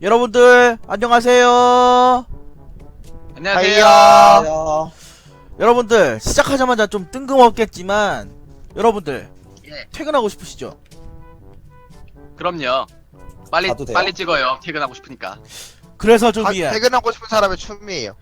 여러분들 안녕하세요. 안녕하세요. 여러분들 시작하자마자 좀 뜬금없겠지만 여러분들 예. 퇴근하고 싶으시죠? 그럼요. 빨리 가도 돼요? 빨리 찍어요. 퇴근하고 싶으니까. 그래서 준비한 퇴근하고 싶은 사람의 춤이에요.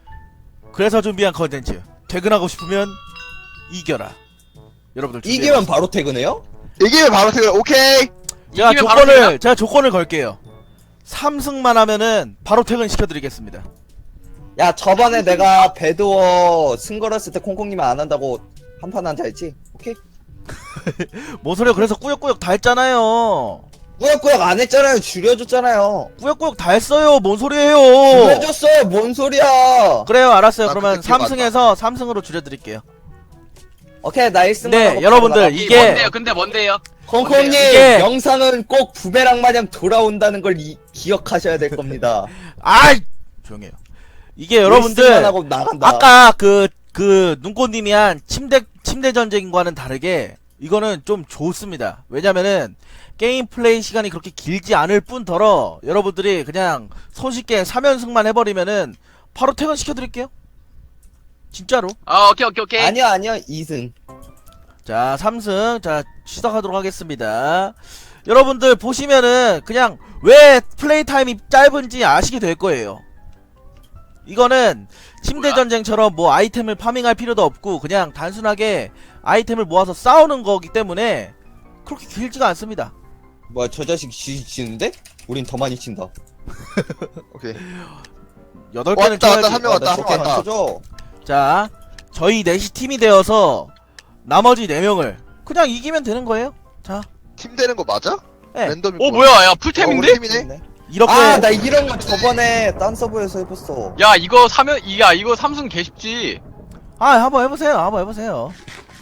컨텐츠 퇴근하고 싶으면 이겨라. 여러분들 이기면 바로 퇴근해요? 이기면 바로 퇴근. 오케이. 이기면 바로 제가 조건을 걸게요. 3승만 하면은 바로 퇴근 시켜드리겠습니다. 야 저번에 내가 배드워 승걸었을 때 콩콩님은 안 한다고 한판 한자 했지? 오케이? 뭔 소리야? 그래서 꾸역꾸역 다 했잖아요. 꾸역꾸역 안 했잖아요. 줄여줬잖아요. 꾸역꾸역 다 했어요. 뭔 소리예요? 줄여줬어요. 뭔 소리야? 그래요, 알았어요. 나 그러면 그때 기억 안 3승에서 3승으로 줄여드릴게요. 오케이 나 1승 네, 여러분들, 이게- 뭔데요? 근데 뭔데요? 콩콩님 이게- 영상은 꼭 부메랑 마냥 돌아온다는 걸 기억하셔야 될 겁니다. 아이! 조용해요. 이게 1승만 여러분들, 하고 나간다. 아까 눈꽃님이 한 침대 전쟁과는 다르게, 이거는 좀 좋습니다. 왜냐면은, 게임 플레이 시간이 그렇게 길지 않을 뿐더러, 여러분들이 그냥 손쉽게 3연승만 해버리면은, 바로 퇴근시켜드릴게요. 진짜로. 오케이. 아니야 2승. 자, 3승. 자, 시작하도록 하겠습니다. 여러분들 보시면은, 그냥, 왜 플레이 타임이 짧은지 아시게 될 거예요. 이거는, 침대 뭐야? 전쟁처럼 뭐 아이템을 파밍할 필요도 없고, 그냥 단순하게 아이템을 모아서 싸우는 거기 때문에, 그렇게 길지가 않습니다. 뭐야 저 자식 지는데? 우린 더 많이 친다. 오케이. 8개는 왔다, 쳐야지. 한 명 왔다. 나 왔다. 쳐줘. 자, 저희 넷이 팀이 되어서, 나머지 4명을, 그냥 이기면 되는 거예요. 자, 팀 되는 거 맞아? 네. 랜덤이 뭐야? 야 우리 풀템인데? 팀이네. 이렇게. 나 이런 거 저번에 딴 서버에서 해봤어. 야 이거 사면 이거 삼성 개 쉽지. 한번 해보세요.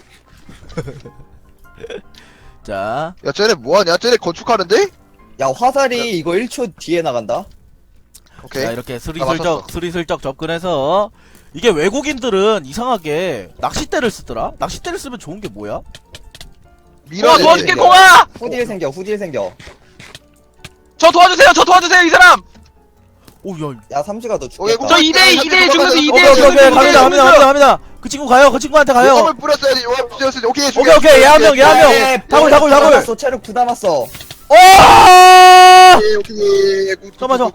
자, 야 쟤네 뭐하냐? 쟤네 건축하는데? 야 화살이 이거 1초 뒤에 나간다. 오케이. 자, 이렇게 맞췄어. 스리슬쩍 접근해서 이게 외국인들은 이상하게 낚싯대를 쓰더라? 낚싯대를 쓰면 좋은 게 뭐야? 밀어내. 도와줄게 이제. 콩아. 후딜 생겨. 저 도와주세요 이 사람. 오, 야. 야 삼지가 너 오케이, 죽겠다. 저 2대2 중에서 오케이, 2대1 오케이, 갑니다. 그 친구 가요. 그 친구한테 가요. 용암을 뿌렸어야지. 용암 뿌렸어야지. 오케이. 오케이, 얘 한 명. 다굴. 남았어. 체력 9 남았어. 오! 오케이. 잠깐만,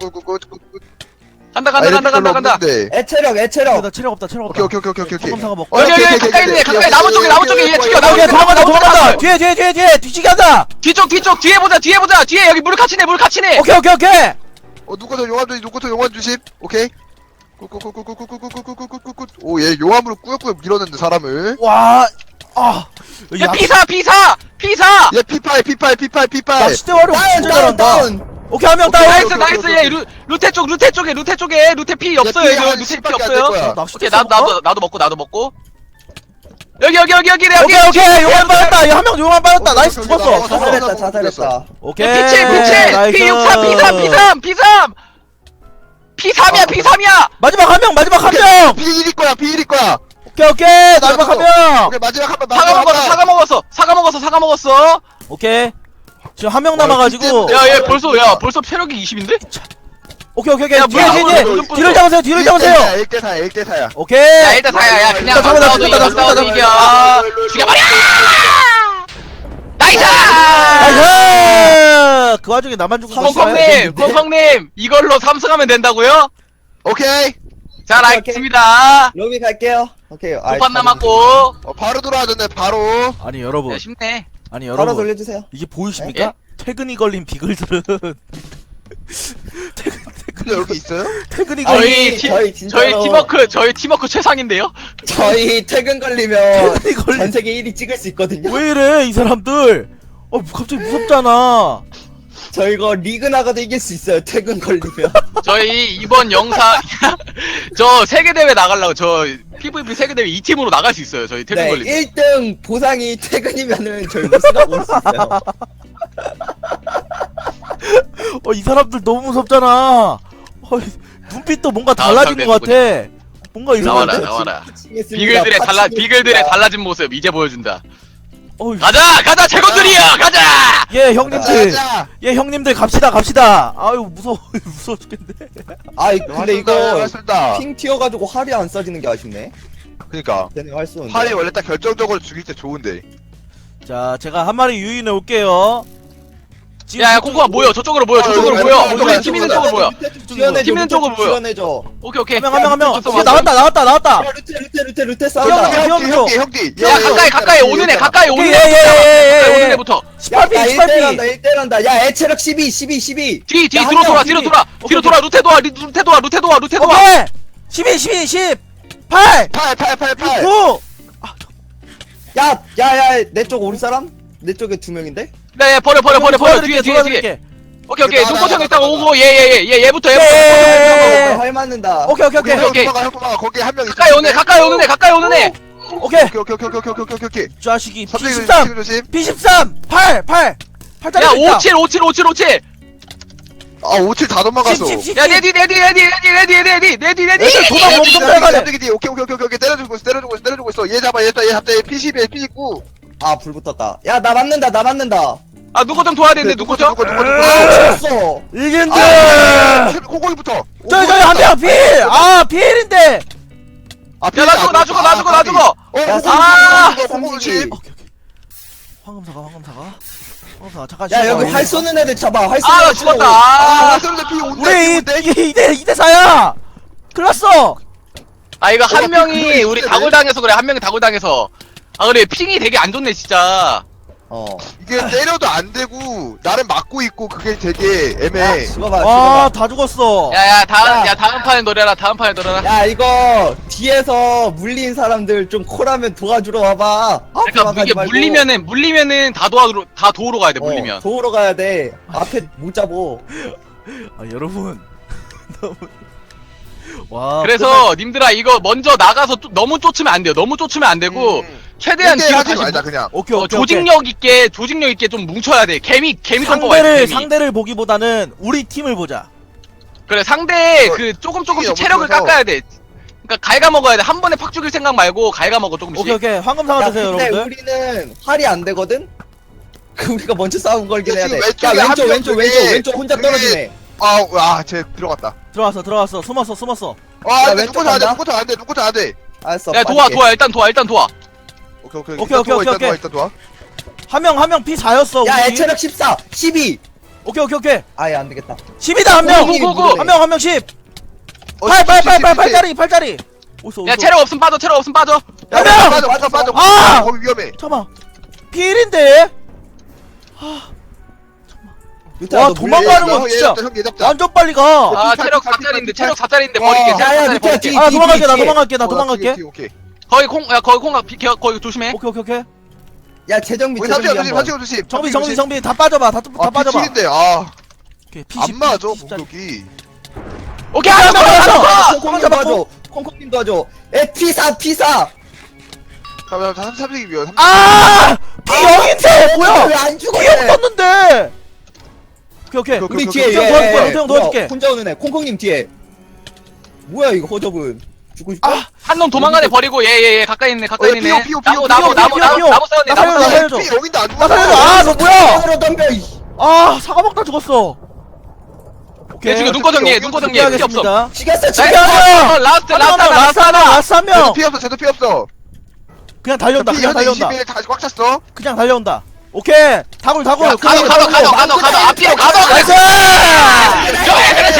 간다. 애체력. 나 체력 없다. 오케이. 청검사가 먹고. 오케이. 가까이 나무 쪽에 얘 죽여. 오케이, 도망간다. 뒤에, 뒤지게 한다. 뒤쪽 뒤에 보자. 뒤에 여기 물 갇히네. 오케이. 누구도 용암 주심. 오케이. 꾹꾹꾹꾹꾹꾹꾹꾹꾹꾹꾹꾹꾹. 오, 얘 용암으로 꾸역꾸역 밀어냈네 사람을. 와, 야 피사. 얘 P8. 낚싯대 활용 진짜 잘한다. 오케이, 한 명 다운. 나이스. 얘 루테 쪽에 루테 피 없어요. 얘 이거 한 루테 피 10밖에 안될 없어요. 거야. 낚싯대 오케이 써볼까? 나도 먹고. 여기. 오케이, 용암 빠졌다. 한 명 용암 빠졌다. 나이스, 죽었어. 자살했다. 오케이. 피칠 나이스. P3 P3이야. 마지막 한 명. 비일일 거야. 오케이. 마지막 한 명. 오케이, 마지막 한 번. 사과 먹었어. 오케이. 지금 한 명 남아가지고. 야 벌써 체력이 20인데? 오케이. 야, 뭐야, 뒤를 잡으세요. 1대4야. 오케이. 야 일단 사야 그냥 나 잡아, 싸워도 나 이겨. 죽여버려. 나이스. 나이스. 그 와중에 나만 죽은 거 싫어요? 콩콩님 이걸로 3승하면 된다고요? 오케이. 잘 오케이. 알겠습니다. 로비 갈게요. 오케이. 5판 남았고. 바로 돌아와줬네, 바로. 아니 여러분. 야 쉽네. 바로 돌려주세요. 이게 보이십니까? 퇴근이 걸린 비글들은 근데 여기 있어요? 퇴근이 걸린 저희 진짜로 저희 팀워크 최상인데요? 저희 퇴근 걸리면 퇴근이 걸린 전 세계 1위 찍을 수 있거든요. 왜 이래 이 사람들? 갑자기 무섭잖아. 저 이거 리그 나가도 이길 수 있어요. 퇴근 걸리면. 저희 이번 영상 저 세계대회 나가려고 저 PVP 세계대회 2팀으로 나갈 수 있어요. 저희 퇴근 네, 걸리면. 1등 보상이 퇴근이면은 저희 우승하고 올 수 있어요. 이 사람들 너무 무섭잖아. 눈빛도 뭔가 달라진 것 같아. 뭔가 이상한데? 나와라. 미치겠습니다. 비글들의 파치겠습니다. 달라진 모습 이제 보여준다. 어이. 가자 재건들이야 가자. 예 형님들. 가자. 예 형님들 갑시다. 아유 무서워 무서워 죽겠네. 아이 근데 이거 맞습니다. 핑 튀어가지고 활이 안 써지는 게 아쉽네. 그니까 걔네 활 쏘는데. 활이 원래 딱 결정적으로 죽일 때 좋은데. 자 제가 한 마리 유인해 올게요. 지금 야야 저쪽- 콩콩아 모여 저쪽으로 모여 저쪽으로 여기, 모여. 여기, 우리 여기, 팀 있는 여기, 쪽으로 모여. 지원해줘. 팀 있는 쪽으로 모여. 지원해줘. 오케이. 한 명. 왔어, 이제 왔어. 나왔다. 야, 루테 형, 싸운다. 형, 형. 형디. 야 가까이 오는 애 가까이 오는 오케이, 애. 오는 예. 애부터. 18피 18피. 1대1한다. 야, 애체력 12. 뒤 야, 뒤로 한 돌아 명, 뒤로 뒤. 돌아 뒤로 돌아 루테 도와. 오케이. 12 18 8. 9. 야, 내 쪽 우리 사람? 내 쪽에 2명인데? 네 버려 뒤에. 도와드릴게. 오케이 나, 눈꽃형 나, 일단 나, 오고 얘부터 예. 활 맞는다. 오케이. 오케이. 거기 한 명 있어. 가까이 오는 애. 오케이. 오케이. 자식이 선생님 P13. 조심. P13 8 8짜리 야 있다. 57. 아 57 다 도망갔어. 10. 야 내디. 애들 도망 엄청 잘 가네. 오케이. 때려주고 있어. 얘 잡아. 얘 잡자. 얘 P11, P19. 아, 불 붙었다. 야, 나 맞는다. 아 눈꽃형 도와야 되는데 눈꽃형. 아, 죽었어. 이긴다. 코골이부터. 저기 한명 필. 아 필인데. 나 죽어. 야, 아! 30. 황금사가 잠깐. 야, 여기 쉬어봐. 활 쏘는 애들 잡아. 활 쏘는 나 애들 죽었다. 치라고. 아. 우리 2대4야. 클났어. 아 이거 한 그거 명이 우리 있어야 다굴 당해서 그래. 한 명이 다굴 당해서. 아 그래 핑이 되게 안 좋네 진짜. 이게 때려도 안 되고 나를 막고 있고 그게 되게 애매해. 죽어봐. 다 죽었어. 야야 다음 야. 다음 판에 노려라. 야, 이거 뒤에서 물린 사람들 좀 콜하면 도와주러 와봐. 그러니까 도망가지 이게 말고. 물리면은 다 도우러 가야 돼. 물리면. 도우러 가야 돼. 앞에 못 잡어. 아 여러분 너무 와 그래서 님들아 이거 먼저 나가서 너무 쫓으면 안 돼요. 너무 쫓으면 안 되고 최대한 뒤로 하지 다시 말자 그냥. 오케이 조직력 있게 좀 뭉쳐야 돼. 개미 선포가 있어. 상대를 보기보다는 우리 팀을 보자. 그래 상대 이거 그 조금씩 너무 체력을 커서. 깎아야 돼. 그러니까 갉아먹어야 돼. 한 번에 팍 죽일 생각 말고 갉아먹어 조금씩. 오케이 황금사가 야, 드세요 근데 여러분들. 우리는 활이 안 되거든? 우리가 먼저 싸움 걸긴 해야 돼. 지금 야, 왼쪽에 한 명 왼쪽 혼자 그게- 떨어지네. 쟤 들어갔다. 들어왔어 숨었어. 야, 근데 왼쪽 눈꽃 안 간다? 돼. 알았어. 야 빠질게. 일단 도와. 오케이. 일단 도와. 한 명 P4였어. 야, 애체력 14, 12. 오케이. 아예 안 되겠다. 10이다 한 명. 고고고. 한 명 10. 8짜리. 어디서? 야 체력 없으면 빠져. 한 명! 빠져. 아! 거기 위험해. 잠깐만. 필인데. 루테야, 와, 너 도망가는 물려. 거 진짜 얘 잡자. 완전 빨리 가. 아 팔, 체력 팔, 4짜리인데 팔, 체력 4짜리인데 와. 버릴게. 야, 체력 4짜리 루테야, 버릴게. 뒤. 아 도망갈게 나 뒤에. 도망갈게. 오케이. 거기 콩 조심해. 야, 재정비 우리 재정비 삼촌 한번. 조심. 정비 다 빠져봐. 다 빠져봐. P7인데 오케이. 안 맞아 P10. 공격이. 오케이 하나 더. 콩콩님 도와줘. 콩콩님 도와줘. 에, P4. 잠깐만 30이면 아! P0인데 뭐야? 왜안 죽어? P0 떴는데. 오케이. 우리 그, 뒤에 형 도와줄게, 형 도와줄게. 혼자 오는 애. 콩콩님 뒤에. 뭐야 이거 허접은. 죽고 싶어? 한 놈 도망가네 버리고 얘 가까이 있네. 피오. 나무 나 싸웠네. 살려줘. 여긴도 안 나 살려줘. 죽었어. 아, 너 뭐야? 으로 덤벼. 이씨. 아, 사과 먹다 죽었어. 얘 지금 눈꺼정리 피 없어. 하겠습니다. 죽였어. 라스트 라스 한 명. 쟤도 피 없어. 그냥 달려온다. 그냥 달려온다. 21 다시 꽉 찼어. 그냥 달려온다. 오케이. 다굴. 가도 앞뒤로 가도 나이스! 그렇지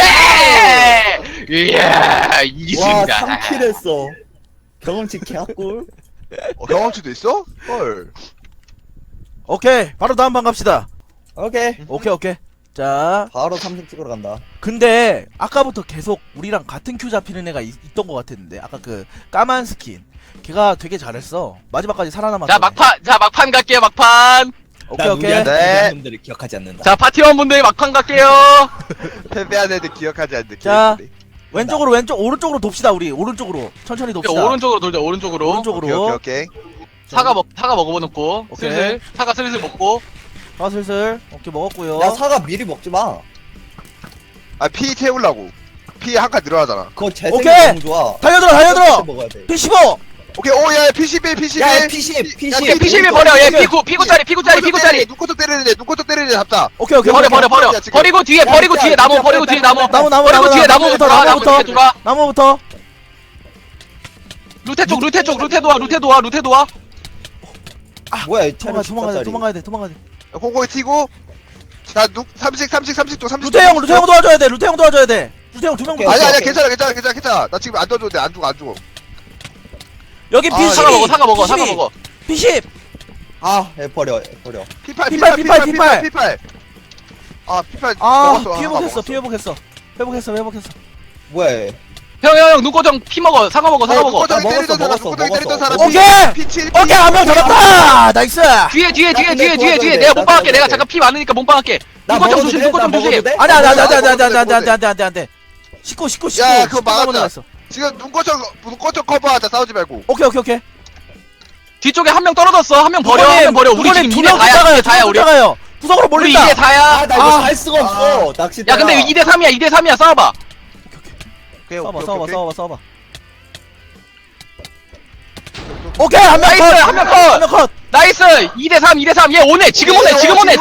이야 와, 이겼습니다 3킬 했어. 경험치 개꿀. 경험치도 있어? 헐. 오케이. 바로 다음 방 갑시다. 오케이. 오케이. 자, 바로 3등 찍으러 간다. 근데 아까부터 계속 우리랑 같은 큐 잡히는 애가 있던 것 같았는데 아까 그 까만 스킨 걔가 되게 잘했어. 마지막까지 살아남았어. 자 막판 갈게요 막판 오케이. 네. 분들을 기억하지 않는다. 자 파티원분들 막판 갈게요 패배한 애들 기억하지 않는 자, 왼쪽으로 오른쪽으로 돕시다. 우리 오른쪽으로 천천히 돕시다. 오른쪽으로 돌자 오른쪽으로 오케이. 사과 먹어놓고 오케이. 슬슬 사과 슬슬 먹고 아 슬슬 오케이 먹었고요. 야, 사과 미리 먹지 마. 피 채우려고. 피 한 칸 늘어나잖아. 그거 재생이 오케이. 너무 좋아. 달려들어. 먹어야 돼. P15. 오케이 오야 P11 P11 야 P10 야, P10 P11 버려. 얘 피구짜리. 눈코터 때리는 애 잡자. 오케이 오케이 버려. 오케이. 지금. 버리고 뒤에 나무. 버리고 뒤에 나무. 나무 버리고 뒤에 나무부터 돌아, 나무부터 돌아. 나무부터. 루테 쪽. 루테 도와. 뭐야 이 도망가야 돼. 콩콩이 튀고. 자, 30도. 루테 형 도와줘야 돼. 루테 형 도와줘야 돼. 루테 형 2명 오케이, 붙었어. 아니야, 괜찮아. 나 지금 안 도와줘도 돼. 안 죽어. 여기 아, P12 사과 먹어. P10 아애 버려 P8. 아, P8. 아 먹었어. 회복했어 뭐야 얘. 형 눈꼬정 피 먹어. 사과 먹어. 먹었어. 때리던 사람. 오케이! P7. 오케이 한 명 잡았다. 나이스. 뒤에. 근데 내가 못 박을게. 도와줘야 내가 돼. 잠깐 피 많으니까 못 박을게. 나 눈꼬정 먹어도 조심. 돼? 눈꼬정 나 조심. 먹어도 돼? 안돼. 19 야, 그거 19 막았다. 넘어갔어. 지금 눈꺼정 커버하자. 싸우지 말고. 오케이 뒤쪽에 한 명 떨어졌어. 한 명 버려. 우리 지금 이대 다야. 우리. 가요. 구석으로 우리 몰린다. 이대 다야. 아나 이거 살 수가 없어 낚싯대 야 근데 2대 3이야. 싸워봐. 싸워봐. 오케이 한 명 나이스, 컷. 한명 컷. 한 명 컷. 나이스. 2대 3. 얘 오네. 지금 오네.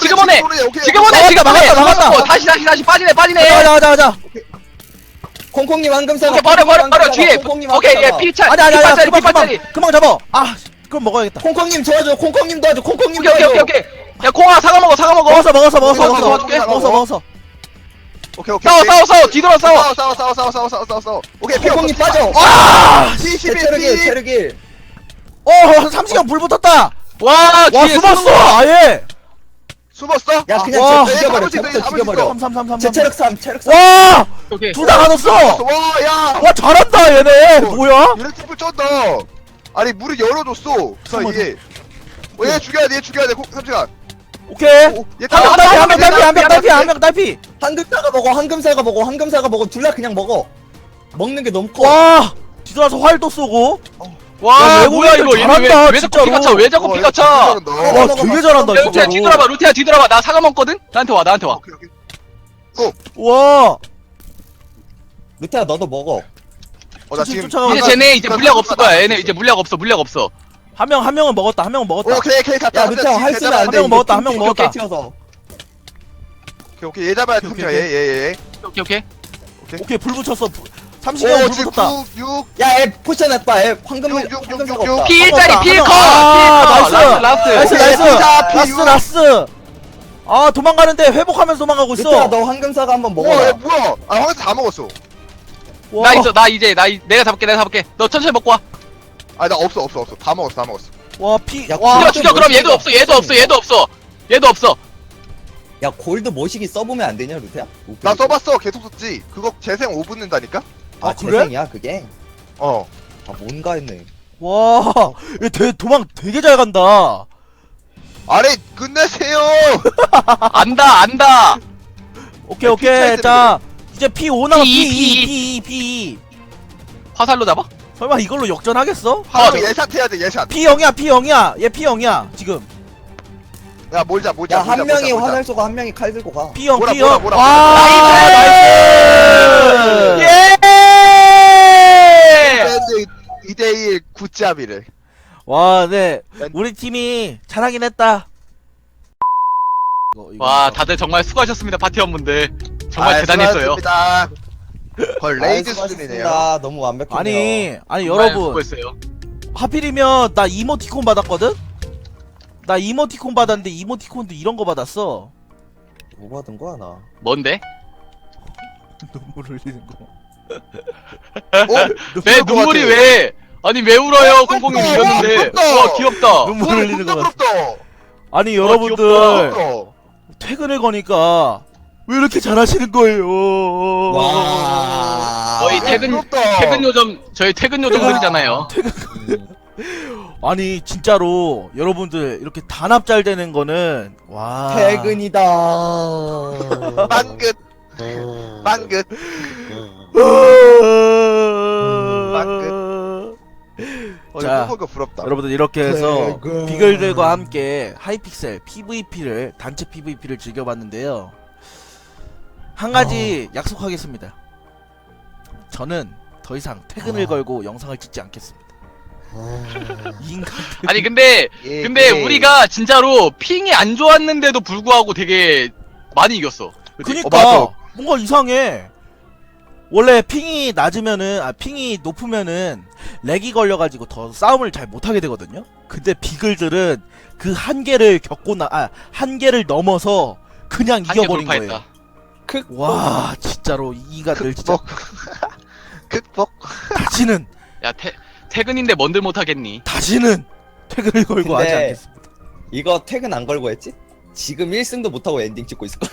막았다. 다시 빠지네. 가자. 콩콩님 황금사가 오케이 버려. 뒤에. 오케이 얘 피차. 아니야. 피파짜리. 그만 잡아. 아 그럼 먹어야겠다. 콩콩님 도와줘 콩콩님 도와줘 오케이. 야 콩아 사과 먹어. 먹었어. 도와줄게. 오케이. 싸워. 뒤돌아 싸워. 싸워. 오케이, 콩콩님 빠져 아! P11. 체력이 3시간 불 붙었다. 와 와 뒤에 숨었어. 아예. 숨었어? 야 그냥 와. 쟤 죽여버려 사무실 쟤부터 있어, 죽여버려 3. 제 체력 3 와! 오케이. 둘 다 가뒀어. 와, 야. 와 잘한다 얘네. 뭐야? 유레티프 쩐다. 아니, 문을 열어줬어. 이게. 얘 죽여야 돼. 3시간. 오케이. 얘 한 명 딸피. 황금사가 먹어 둘 다 그냥 먹어 먹는 게 너무 커 와! 뒤돌아서 활도 쏘고. 와 야, 뭐야 이거 외국인들 얘네 잘한다, 왜 자꾸 진짜로. 피가 차? 왜 자꾸 피가 차? 와 되게 잘한다 루테야 진짜로. 뒤돌아봐. 나 사과 먹거든? 나한테 와. 오케이. 와! 루테야 너도 먹어 나 지금. 쫓아가고 이제 쟤네 이제 물약 없을 거야. 얘네 이제 물약 없어. 한 명은 먹었다. 오케이, 갔다. 야 루테야 활 쓰면 한 안돼 명 먹었다, 한명 먹었다. 오케이. 얘 잡아야 돼. 얘. 오케이. 오케이 불 붙였어. 30년 불 지금 붙었다. 6. 야애 포션 해봐 애 황금사가 없다 피 1짜리 피 컷. 아, 라스트. 나이스. 아 도망가는데 회복하면서 도망가고 루테야 있어. 너 황금사가 한번 와, 먹어라 얘 뭐야? 아, 황금 다 먹었어. 와. 내가 잡을게. 너 천천히 먹고 와. 아, 나 없어. 다 먹었어. 와 피. 야, 와. 죽여. 그럼 얘도 없어. 야 골드 모시기 써보면 안 되냐 루테야? 나 써봤어. 계속 썼지. 그거 재생 5분 는다니까? 아 그래? 재생이야 그게? 어. 아 뭔가 했네 와. 얘 도망 되게 잘 간다. 아니, 끝내세요. 안다. 오케이. 피차야 자 이제 P5 남아. P2. P2. 화살로 잡아? 설마 이걸로 역전하겠어? 예샷 해야 돼. 예샷. P0이야. 얘 P0이야 지금. 야, 몰자. 야 한 명이 화살 쏘고 한 명이 칼 들고 가 P0. 뭐라. 와. 나이스. 예! 2대1 굿잡이를. 와, 네. 우리 팀이 잘하긴 했다. 와 다들 정말 수고하셨습니다 파티원분들. 정말 대단했어요. 수고하셨습니다. 걸 레이드 수고하셨습니다. 수준이네요. 너무 완벽했네요 아니 정말 여러분 수고했어요. 하필이면 나 이모티콘 받았거든? 나 이모티콘 받았는데 이모티콘도 이런 거 받았어. 뭐 받은 거야 나 뭔데? 눈물 흘리는 거. 내 눈물이 왜? 아니 왜 울어요? 콩콩이 이겼는데. 부럽다. 와 귀엽다. 눈물 와, 흘리는 존나 거 같아. 부럽다. 아니 와, 여러분들 부럽다. 퇴근을 거니까 왜 이렇게 잘하시는 거예요? 와 저희 부럽다. 저희 퇴근 요정들이잖아요. 아니 진짜로 여러분들 이렇게 단합 잘 되는 거는 와 퇴근이다 빵끝. 빵끝. 자, 거 부럽다. 여러분들 이렇게 해서 퇴근. 비글들과 함께 하이픽셀 PVP를 단체 PVP를 즐겨봤는데요. 한 가지 약속하겠습니다. 저는 더 이상 퇴근을 걸고 영상을 찍지 않겠습니다. 인간. 아니 근데 우리가 진짜로 핑이 안 좋았는데도 불구하고 되게 많이 이겼어. 그치? 그니까 맞아. 뭔가 이상해. 원래 핑이 낮으면은 핑이 높으면은 렉이 걸려가지고 더 싸움을 잘 못하게 되거든요. 근데 비글들은 그 한계를 한계를 넘어서 그냥 한개 이겨버린 거예요. 돌파했다. 와 진짜로 이 인간들 진짜 극복. 다시는 야 퇴근인데 뭔들 못하겠니? 다시는 퇴근을 걸고 하지 근데 않겠습니다. 이거 퇴근 안 걸고 했지? 지금 1승도 못하고 엔딩 찍고 있을걸?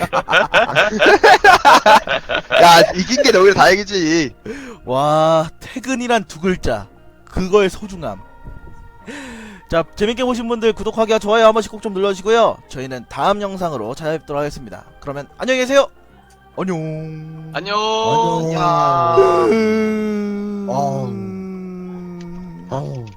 야 이긴 게 오히려 다행이지. 와 퇴근이란 두 글자 그거의 소중함. 자 재밌게 보신 분들 구독하기와 좋아요 한 번씩 꼭 좀 눌러주시고요. 저희는 다음 영상으로 찾아뵙도록 하겠습니다. 그러면 안녕히 계세요. 안녕. 안녕. 안녕. 음... 아우.